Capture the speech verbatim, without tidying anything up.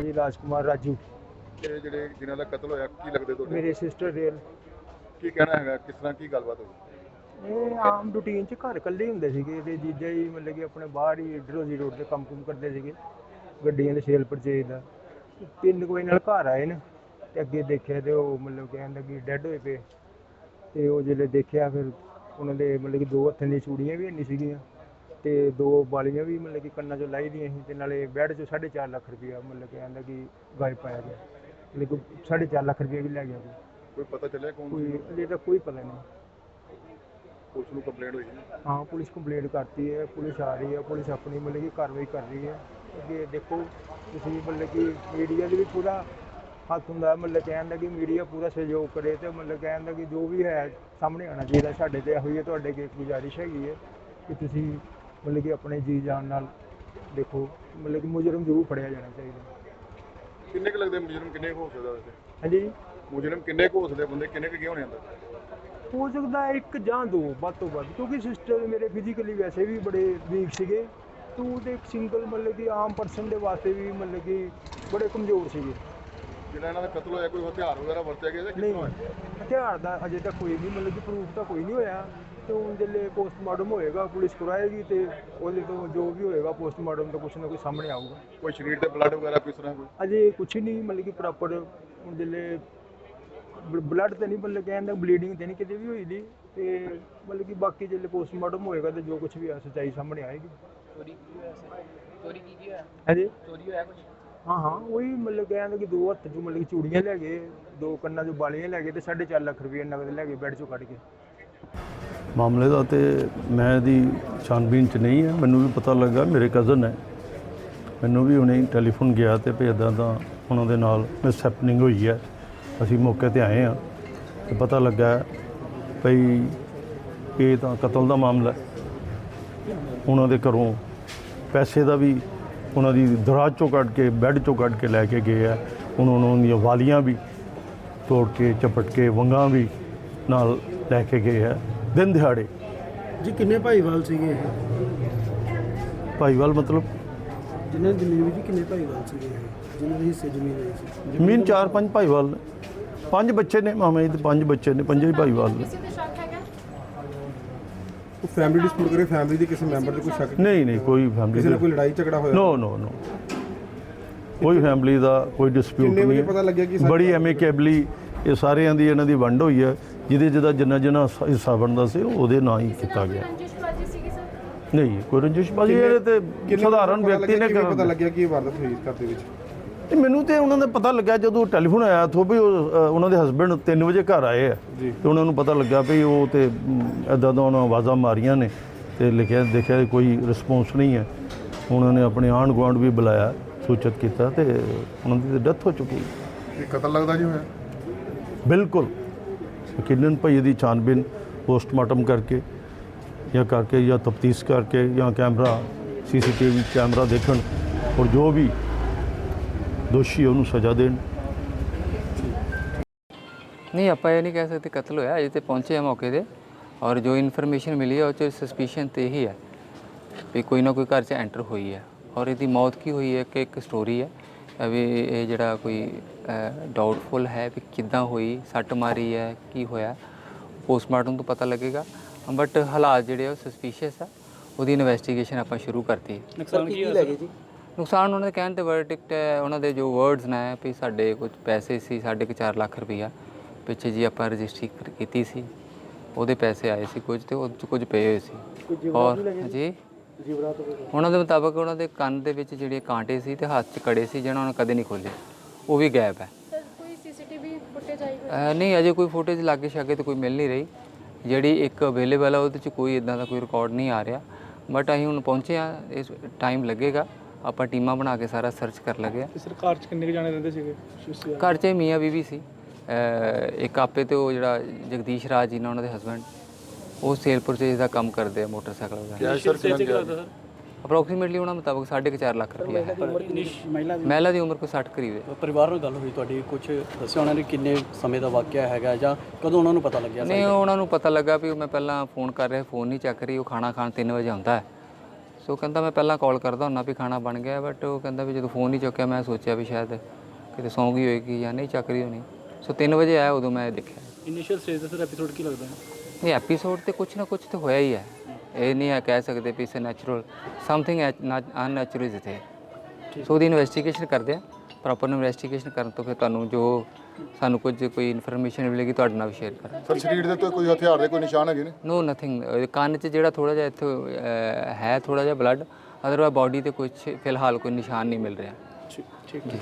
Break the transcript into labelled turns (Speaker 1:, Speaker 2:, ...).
Speaker 1: जी राजकुमार राजू
Speaker 2: ਇਹ ਜਿਹੜੇ ਜਿਨ੍ਹਾਂ ਦਾ ਕਤਲ ਹੋਇਆ ਕੀ ਲੱਗਦੇ ਤੁਹਾਡੇ?
Speaker 1: मेरे सिस्टर रेल
Speaker 2: ਕੀ ਕਹਿਣਾ ਹੈਗਾ, ਕਿਸ ਤਰ੍ਹਾਂ ਕੀ ਗੱਲਬਾਤ ਹੋਈ?
Speaker 1: ਇਹ ਆਮ ਰੂਟੀਨ 'ਚ ਘਰ ਇਕੱਲੇ ਹੀ ਹੁੰਦੇ ਸੀਗੇ ਤੇ ਜੀਜਾ ਜੀ ਮਤਲਬ ਕਿ ਆਪਣੇ ਬਾਹਰ ਹੀ ਇੱਧਰੋਂ ਦੀ ਰੋਡ ਤੇ ਕੰਮ ਕੁਮ ਕਰਦੇ ਸੀਗੇ ਗੱਡੀਆਂ ਦੇ ਸੇਲ ਪਰਚੇਜ ਦਾ। ਤਿੰਨ ਕੁ ਵਜੇ ਨਾਲ ਘਰ ਆਏ ਨੇ ਤੇ ਅੱਗੇ ਦੇਖਿਆ ਤੇ ਉਹ ਮਤਲਬ ਕਹਿੰਦਾ ਕਿ ਡੈੱਡ ਹੋਏ ਪਏ ਤੇ ਉਹ ਜਿਹੜੇ ਦੇਖਿਆ ਫਿਰ ਉਹਨਾਂ ਦੇ ਮਤਲਬ ਕਿ ਦੋ ਹੱਥਾਂ ਦੀਆਂ ਚੂੜੀਆਂ ਵੀ ਨਹੀਂ ਸੀਗੀਆਂ ਤੇ ਦੋ ਬਾਲੀਆਂ ਵੀ ਮਤਲਬ ਕਿ ਕੰਨਾਂ 'ਚੋਂ ਲਾਈ ਦੀਆਂ ਸੀ ਤੇ ਨਾਲੇ ਬੈੱਡ 'ਚੋਂ ਸਾਢੇ ਚਾਰ ਲੱਖ ਰੁਪਇਆ ਮਤਲਬ ਕਿ ਕਹਿੰਦਾ ਕਿ ਗਾਇਬ ਪਾਇਆ ਗਿਆ। ਲੇਕਿਨ ਸਾਢੇ ਚਾਰ ਲੱਖ ਰੁਪਇਆ ਵੀ ਲੈ ਗਿਆ ਕੋਈ।
Speaker 2: ਕੋਈ ਪਤਾ ਚੱਲਿਆ ਕੌਣ ਸੀ?
Speaker 1: ਕੋਈ ਅਜੇ ਤੱਕ ਕੋਈ ਪਤਾ ਨਹੀਂ।
Speaker 2: ਪੁਲਿਸ ਨੂੰ ਕੰਪਲੇਂਟ ਹੋਈ ਹੈ?
Speaker 1: हाँ पुलिस कंप्लेंट करती है, पुलिस आ रही है, पुलिस अपनी मतलब कि कार्रवाई कर रही है। अगे देखो तुसीं मतलब कि मीडिया भी पूरा हत्थ हुंदा मतलब कहण कि मीडिया पूरा सहयोग करे तो मतलब कहण कि जो भी है सामने आना चाहिए। साडे ते होई है तुहाडे अगे गुजारिश हैगी है कि तुसीं मतलब कि अपने जी जान नाल देखो मतलब कि मुजरम जरूर फड़िया जाना चाहिए।
Speaker 2: किन्ने क लगदे मुजरम, किन्ने क हो सकदा वैसे?
Speaker 1: हाँ जी
Speaker 2: मुजरम किन्ने क हो सकदे, बंदे किन्ने क होने अंदर?
Speaker 1: हो सकता है एक ਜਾਂ ਦੋ ਵੱਧ ਤੋਂ ਵੱਧ ਕਿਉਂਕਿ ਸਿਸਟਰ ਮੇਰੇ ਫਿਜ਼ੀਕਲੀ ਵੈਸੇ ਵੀ ਬੜੇ ਵੀਕ ਸੀਗੇ ਤੂੰ ਤੇ ਇੱਕ ਸਿੰਗਲ ਮਤਲਬ ਕਿ ਆਮ ਪਰਸਨ ਦੇ ਵਾਸਤੇ ਵੀ ਮਤਲਬ ਕਿ ਬੜੇ ਕਮਜ਼ੋਰ ਸੀਗੇ।
Speaker 2: ਜਿਹੜਾ ਇਹਨਾਂ ਦਾ ਕਤਲ ਹੋਇਆ ਕੋਈ ਹਥਿਆਰ ਵਗੈਰਾ ਵਰਤਿਆ ਗਿਆ ਜਾਂ ਕਿਸ
Speaker 1: ਨਹੀਂ
Speaker 2: ਤਰ੍ਹਾਂ ਹੋਇਆ?
Speaker 1: ਹਥਿਆਰ ਦਾ ਅਜੇ ਤੱਕ ਕੋਈ ਨਹੀਂ ਮਤਲਬ ਕਿ ਪ੍ਰੂਫ ਤਾਂ ਕੋਈ ਨਹੀਂ ਹੋਇਆ ਤੇ ਹੁਣ ਜਿਹੜੇ ਪੋਸਟਮਾਰਟਮ ਹੋਏਗਾ ਪੁਲਿਸ ਕਰਾਏਗੀ ਤੇ ਉਹਦੇ ਤੋਂ ਜੋ ਵੀ ਹੋਏਗਾ ਪੋਸਟਮਾਰਟਮ ਤੋਂ ਕੁਛ ਨਾ ਕੁਛ ਸਾਹਮਣੇ ਆਊਗਾ।
Speaker 2: ਕੋਈ ਸਰੀਰ ਤੇ ਬਲੱਡ ਵਗੈਰਾ ਕਿਸ ਤਰ੍ਹਾਂ ਕੋਈ?
Speaker 1: ਅਜੇ ਕੁਛ ਨਹੀਂ ਮਤਲਬ ਕਿ ਪ੍ਰੋਪਰ ਹੁਣ ਜਿਹੜੇ ਬਲੱਡ ਤੇ ਨਹੀਂ ਮਤਲਬ ਕਹਿੰਦਾ ਬਲੀਡਿੰਗ ਤੇ ਨਹੀਂ ਕਿਤੇ ਵੀ ਹੋਈ ਦੀ ਤੇ ਮਤਲਬ ਕਿ ਬਾਕੀ ਜਿਹੜੇ ਪੋਸਟਮਾਰਟਮ ਹੋਏਗਾ ਤੇ ਜੋ ਕੁਛ ਵੀ ਆ ਸੱਚਾਈ ਸਾਹਮਣੇ ਆਏਗੀ।
Speaker 3: ਚੋਰੀ ਕੀ ਹੋਇਆ ਸੀ? ਚੋਰੀ ਕੀ ਕੀ ਹੋਇਆ?
Speaker 1: ਹਾਂਜੀ
Speaker 3: ਚੋਰੀ ਹੋਇਆ ਕੁਝ?
Speaker 1: ਹਾਂ ਹਾਂ ਉਹੀ ਮਤਲਬ ਕਹਿੰਦਾ ਕਿ ਦੋ ਹੱਥ 'ਚ ਮਤਲਬ ਕਿ ਚੂੜੀਆਂ ਲੈ ਗਏ, ਦੋ ਕੰਨਾਂ 'ਚ ਬਾਲੀਆਂ ਲੈ ਗਏ ਤੇ ਸਾਢੇ ਚਾਰ ਲੱਖ ਰੁਪਏ ਨਗਦ ਲੈ ਗਏ ਬੈੱਡ 'ਚੋਂ ਕੱਢ ਕੇ।
Speaker 4: ਮਾਮਲੇ ਦਾ ਤੇ ਮੈਂ ਇਹਦੀ ਛਾਨਬੀਨ 'ਚ ਨਹੀਂ ਹੈ, ਮੈਨੂੰ ਵੀ ਪਤਾ ਲੱਗਾ ਮੇਰੇ ਕਜ਼ਨ ਹੈ, ਮੈਨੂੰ ਵੀ ਹੁਣੇ ਟੈਲੀਫੋਨ ਗਿਆ ਤੇ ਵੀ ਇੱਦਾਂ ਦਾ ਉਹਨਾਂ ਦੇ ਨਾਲ ਮਿਸ ਹੈਪਨਿੰਗ ਹੋਈ ਹੈ। ਅਸੀਂ ਮੌਕੇ ਤੇ ਆਏ ਹਾਂ ਤੇ ਪਤਾ ਲੱਗਾ ਭਈ ਇਹ ਤਾਂ ਕਤਲ ਦਾ ਮਾਮਲਾ ਹੈ। ਉਹਨਾਂ ਦੇ ਘਰੋਂ ਪੈਸੇ ਦਾ ਵੀ ਉਹਨਾਂ ਦੀ ਦਰਾਜ ਚੋਂ ਕੱਢ ਕੇ ਬੈੱਡ ਚੋਂ ਕੱਢ ਕੇ ਲੈ ਕੇ ਗਏ ਆ। ਉਹਨਾਂ ਉਹਨਾਂ ਦੀਆਂ ਵਾਲੀਆਂ ਵੀ ਤੋੜ ਕੇ ਚਪਟ ਕੇ ਵੰਗਾਂ ਵੀ ਨਾਲ ਲੈ ਕੇ ਗਏ ਆ ਦਿਨ ਦਿਹਾੜੇ।
Speaker 5: ਜੀ ਕਿੰਨੇ ਭਾਈਵਾਲ ਸੀਗੇ ਇਹ?
Speaker 4: ਭਾਈਵਾਲ ਮਤਲਬ
Speaker 5: ਜਿਨ੍ਹਾਂ ਦੀ ਜ਼ਮੀਨ ਜੀ ਕਿੰਨੇ ਭਾਈਵਾਲ ਸੀਗੇ ਇਹ? ਜਿਨ੍ਹਾਂ ਦੇ ਹਿੱਸੇ ਜ਼ਮੀਨ ਹੋਈ ਸੀ?
Speaker 4: ਜ਼ਮੀਨ ਚਾਰ ਪੰਜ ਭਾਈਵਾਲ ਨੇ, ਪੰਜ ਬੱਚੇ ਨੇ ਮਾਮੇ ਦੇ, ਪੰਜ ਬੱਚੇ ਨੇ, ਪੰਜੇ ਹੀ ਭਾਈਵਾਲ ਨੇ।
Speaker 6: ਉਹ ਫੈਮਿਲੀ ਡਿਸਪਿਊਟ ਕਰੇ, ਫੈਮਿਲੀ ਦੇ ਕਿਸੇ ਮੈਂਬਰ ਦੇ ਕੋਈ ਸ਼ੱਕ?
Speaker 4: ਨਹੀਂ ਨਹੀਂ ਕੋਈ ਫੈਮਿਲੀ
Speaker 6: ਕਿਸੇ ਨਾਲ ਕੋਈ ਲੜਾਈ ਝਗੜਾ ਹੋਇਆ?
Speaker 4: ਨੋ ਨੋ ਨੋ ਕੋਈ ਫੈਮਿਲੀ ਦਾ ਕੋਈ ਡਿਸਪਿਊਟ
Speaker 6: ਕਿੰਨੇ
Speaker 4: ਨਹੀਂ
Speaker 6: ਵਜੇ
Speaker 4: ਹੈ।
Speaker 6: ਪਤਾ ਲੱਗਿਆ ਕਿ
Speaker 4: ਬੜੀ ਐਮੀਕੇਬਲੀ ਇਹ ਸਾਰਿਆਂ ਦੀ ਇਹਨਾਂ ਦੀ ਵੰਡ ਹੋਈ ਹੈ। ਜਿਹਦੇ ਜਿਹਦਾ ਜਿੰਨਾ ਜਿੰਨਾ ਹਿੱਸਾ ਬਣਦਾ ਸੀ ਉਹਦੇ ਨਾਂ ਹੀ ਕੀਤਾ ਗਿਆ। ਨਹੀਂ ਕੋਈ ਰੰਜਿਸ਼ਬਾਜ਼ੀ ਇਹ ਤੇ ਸਧਾਰਨ ਵਿਅਕਤੀ ਨੇ
Speaker 6: ਕਿਵੇਂ ਪਤਾ
Speaker 4: ਕਰ
Speaker 6: ਲੱਗਿਆ ਕਿ ਇਹ ਵਾਰਦਾਤ ਹੋਈ ਘਰ ਦੇ ਵਿੱਚ?
Speaker 4: ਤੇ ਮੈਨੂੰ ਤੇ ਉਹਨਾਂ ਦਾ ਪਤਾ ਲੱਗਾ ਜਦੋਂ ਟੈਲੀਫੋਨ ਆਇਆ ਥੋ ਵੀ ਉਹ ਅ, ਉਹਨਾਂ ਦੇ ਹਸਬੈਂਡ ਤਿੰਨ ਵਜੇ ਘਰ ਆਏ ਆ
Speaker 6: ਜੀ।
Speaker 4: ਤੇ ਉਹਨਾਂ ਨੂੰ ਪਤਾ ਲੱਗਾ ਵੀ ਉਹ ਤੇ ਇੱਦਾਂ ਦਾ ਉਹਨਾਂ ਆਵਾਜ਼ਾਂ ਮਾਰੀਆਂ ਨੇ ਤੇ ਲਿਖਿਆ ਦੇਖਿਆ ਕੋਈ ਰਿਸਪੌਂਸ ਨਹੀਂ ਹੈ। ਉਹਨਾਂ ਨੇ ਆਪਣੇ ਆਂਢ ਗੁਆਂਢ ਵੀ ਬੁਲਾਇਆ, ਸੂਚਿਤ ਕੀਤਾ ਤੇ ਉਹਨਾਂ ਦੀ ਤਾਂ ਡੈਥ ਹੋ ਚੁੱਕੀ।
Speaker 2: ਇਹ ਕਤਲ ਲੱਗਦਾ ਜੀ ਹੋਇਆ?
Speaker 4: ਬਿਲਕੁਲ ਯਕੀਨਨ ਭਾਈ ਇਹਦੀ ਛਾਨਬੀਨ ਪੋਸਟਮਾਰਟਮ ਕਰਕੇ ਜਾਂ ਕਰਕੇ ਜਾਂ ਤਫਤੀਸ਼ ਕਰਕੇ ਜਾਂ ਕੈਮਰਾ ਸੀਸੀਟੀਵੀ ਕੈਮਰਾ ਦੇਖਣ ਔਰ ਜੋ ਵੀ ਦੋਸ਼ੀ ਉਹਨੂੰ ਸਜ਼ਾ ਦੇਣ।
Speaker 3: ਨਹੀਂ ਆਪਾਂ ਇਹ ਨਹੀਂ ਕਹਿ ਸਕਦੇ ਕਤਲ ਹੋਇਆ, ਅਜੇ ਤੇ ਪਹੁੰਚੇ ਆ ਮੌਕੇ ਤੇ ਔਰ ਜੋ ਇਨਫੋਰਮੇਸ਼ਨ ਮਿਲੀ ਹੈ ਉਹ 'ਚ ਸਸਪੀਸ਼ਨ ਤੇ ਹੀ ਹੈ ਵੀ ਕੋਈ ਨਾ ਕੋਈ ਘਰ 'ਚ ਐਂਟਰ ਹੋਈ ਹੈ। ਔਰ ਇਹਦੀ ਮੌਤ ਕੀ ਹੋਈ ਹੈ ਕਿ ਇੱਕ ਸਟੋਰੀ ਹੈ ਵੀ ਇਹ ਜਿਹੜਾ ਕੋਈ ਡਾਊਟਫੁਲ ਹੈ ਵੀ ਕਿੱਦਾਂ ਹੋਈ, ਸੱਟ ਮਾਰੀ ਹੈ, ਕੀ ਹੋਇਆ, ਪੋਸਟਮਾਰਟਮ ਤੋਂ ਪਤਾ ਲੱਗੇਗਾ। ਬਟ ਹਾਲਾਤ ਜਿਹੜੇ ਉਹ ਸਸਪੀਸ਼ੀਅਸ ਆ, ਉਹਦੀ ਇਨਵੈਸਟੀਗੇਸ਼ਨ ਆਪਾਂ ਸ਼ੁਰੂ ਕਰਤੀ ਹੈ।
Speaker 5: ਨੁਕਸਾਨ ਕੀ ਲੈ ਗਏ ਜੀ?
Speaker 3: ਨੁਕਸਾਨ ਉਹਨਾਂ ਦੇ ਕਹਿਣ ਤੇ ਵਰਡਿਕਟ ਹੈ, ਉਹਨਾਂ ਦੇ ਜੋ ਵਰਡਸ ਨੇ ਵੀ ਸਾਡੇ ਕੁਝ ਪੈਸੇ ਸੀ ਸਾਢੇ ਕੁ ਚਾਰ ਲੱਖ ਰੁਪਈਆ ਪਿੱਛੇ ਜੀ ਆਪਾਂ ਰਜਿਸਟਰੀ ਕੀਤੀ ਸੀ, ਉਹਦੇ ਪੈਸੇ ਆਏ ਸੀ ਕੁਝ ਤੇ ਉਹ 'ਚ ਕੁਝ ਪਏ ਹੋਏ ਸੀ। ਔਰ ਜੀ ਉਹਨਾਂ ਦੇ ਮੁਤਾਬਕ ਉਹਨਾਂ ਦੇ ਕੰਨ ਦੇ ਵਿੱਚ ਜਿਹੜੇ ਕਾਂਟੇ ਸੀ ਤੇ ਹੱਥ 'ਚ ਕੜੇ ਸੀ ਜਿਹਨਾਂ ਉਹਨਾਂ ਕਦੇ ਨਹੀਂ ਖੋਲ੍ਹੇ, ਉਹ ਵੀ ਗਾਇਬ ਹੈ।
Speaker 7: ਕੋਈ ਸੀਸੀਟੀਵੀ ਫੁਟੇਜ ਆਈ?
Speaker 3: ਨਹੀਂ ਅਜੇ ਕੋਈ ਫੁਟੇਜ ਲਾਗੇ ਛਾਗੇ ਤੇ ਕੋਈ ਮਿਲ ਨਹੀਂ ਰਹੀ। ਜਿਹੜੀ ਇੱਕ ਅਵੇਲੇਬਲ ਆ ਉਹਦੇ 'ਚ ਕੋਈ ਇਦਾਂ ਦਾ ਕੋਈ ਰਿਕਾਰਡ ਨਹੀਂ ਆ ਰਿਹਾ। ਬਟ ਅਸੀਂ ਹੁਣ ਪਹੁੰਚੇ ਆ, ਇਸ ਟਾਈਮ ਲੱਗੇਗਾ, ਆਪਾਂ ਟੀਮਾਂ ਬਣਾ ਕੇ ਸਾਰਾ ਸਰਚ ਕਰ ਲਗੇ ਆ।
Speaker 5: ਸਰਕਾਰ 'ਚ ਕਿੰਨੇ ਜਾਣੇ ਰਹਿੰਦੇ ਸੀਗੇ?
Speaker 3: ਘਰ 'ਚ ਮੀਆਂ ਬੀਵੀ ਸੀ, ਇੱਕ ਆਪੇ ਤੇ ਉਹ ਜਿਹੜਾ ਜਗਦੀਸ਼ ਰਾਜ ਜੀ ਨੇ ਉਹਨਾਂ ਦੇ ਹਸਬੈਂਡ, ਉਹ ਸੇਲ ਪਰਚੇਜ ਦਾ ਕੰਮ ਕਰਦੇ ਆ ਮੋਟਰਸਾਈਕਲ ਵਗੈਰਾ। ਅਪਰੋਕਸੀਮੇਟਲੀ ਉਹਨਾਂ ਮੁਤਾਬਕ ਸਾਢੇ ਕੁ ਚਾਰ ਲੱਖ ਰੁਪਏ ਹੈ। ਮਹਿਲਾ ਦੀ ਉਮਰ ਕੋਈ ਸੱਠ ਕਰੀਬ ਹੈ।
Speaker 8: ਪਰਿਵਾਰ ਨਾਲ ਗੱਲ ਹੋਈ ਤੁਹਾਡੀ, ਕੁਝ ਦੱਸਿਆ ਉਹਨਾਂ ਨੇ ਕਿੰਨੇ ਸਮੇਂ ਦਾ ਵਾਕਿਆ ਹੈਗਾ ਜਾਂ ਕਦੋਂ ਉਹਨਾਂ ਨੂੰ ਪਤਾ ਲੱਗਿਆ?
Speaker 3: ਨਹੀਂ ਉਹਨਾਂ ਨੂੰ ਪਤਾ ਲੱਗਾ ਵੀ ਮੈਂ ਪਹਿਲਾਂ ਫੋਨ ਕਰ ਰਿਹਾ, ਫੋਨ ਨਹੀਂ ਚੱਕ ਰਹੀ, ਉਹ ਖਾਣਾ ਖਾਣ ਤਿੰਨ ਵਜੇ ਆਉਂਦਾ ਹੈ। ਸੋ ਕਹਿੰਦਾ ਮੈਂ ਪਹਿਲਾਂ ਕਾਲ ਕਰਦਾ ਹੁੰਦਾ ਵੀ ਖਾਣਾ ਬਣ ਗਿਆ, ਬਟ ਉਹ ਕਹਿੰਦਾ ਵੀ ਜਦੋਂ ਫੋਨ ਨਹੀਂ ਚੁੱਕਿਆ ਮੈਂ ਸੋਚਿਆ ਵੀ ਸ਼ਾਇਦ ਕਿਤੇ ਸੌਂ ਗਈ ਹੋਏਗੀ ਜਾਂ ਨਹੀਂ ਚੱਕ ਰਹੀ ਹੋਣੀ। ਸੋ ਤਿੰਨ ਵਜੇ ਆਇਆ, ਉਦੋਂ ਮੈਂ ਦੇਖਿਆ।
Speaker 8: ਇਨੀਸ਼ੀਅਲ ਸਟੇਜ ਦਾ ਸਰ ਐਪੀਸੋਡ ਕੀ ਲੱਗਦਾ ਹੈ?
Speaker 3: ਨਹੀਂ, ਐਪੀਸੋਡ ਤੇ ਕੁਛ ਨਾ ਕੁਛ ਤਾਂ ਹੋਇਆ ਹੀ ਹੈ, ਇਹ ਨਹੀਂ ਹੈ ਕਹਿ ਸਕਦੇ ਵੀ it's natural, something unnatural is ਇਥੇ। ਸੋ ਉਹਦੀ ਇਨਵੈਸਟੀਗੇਸ਼ਨ ਕਰਦੇ ਆ, ਪ੍ਰੋਪਰ ਇਨਵੈਸਟੀਗੇਸ਼ਨ ਕਰਨ ਤੋਂ ਫਿਰ ਤੁਹਾਨੂੰ ਜੋ ਸਾਨੂੰ ਕੁਝ ਕੋਈ ਇਨਫੋਰਮੇਸ਼ਨ ਮਿਲੇਗੀ ਤੁਹਾਡੇ ਨਾਲ ਵੀ ਸ਼ੇਅਰ ਕਰਾਂਗੇ।
Speaker 2: ਸਰ ਸਰੀਰ ਦੇ ਉੱਤੇ ਕੋਈ ਹਥਿਆਰ ਦੇ ਕੋਈ ਨਿਸ਼ਾਨ ਹੈਗੇ ਨੇ?
Speaker 3: ਨੋ ਨਥਿੰਗ, ਕੰਨ 'ਚ ਜਿਹੜਾ ਥੋੜਾ ਜਿਹਾ ਇੱਥੇ ਅਹ, ਹੈ ਥੋੜਾ ਜਿਹਾ ਬਲੱਡ, ਅਦਰਵਾਈਜ਼ ਬਾਡੀ ਤੇ ਕੁਝ ਫਿਲਹਾਲ ਕੋਈ ਨਿਸ਼ਾਨ ਨਹੀਂ ਮਿਲ ਰਿਹਾ।
Speaker 8: ਠੀਕ ਠੀਕ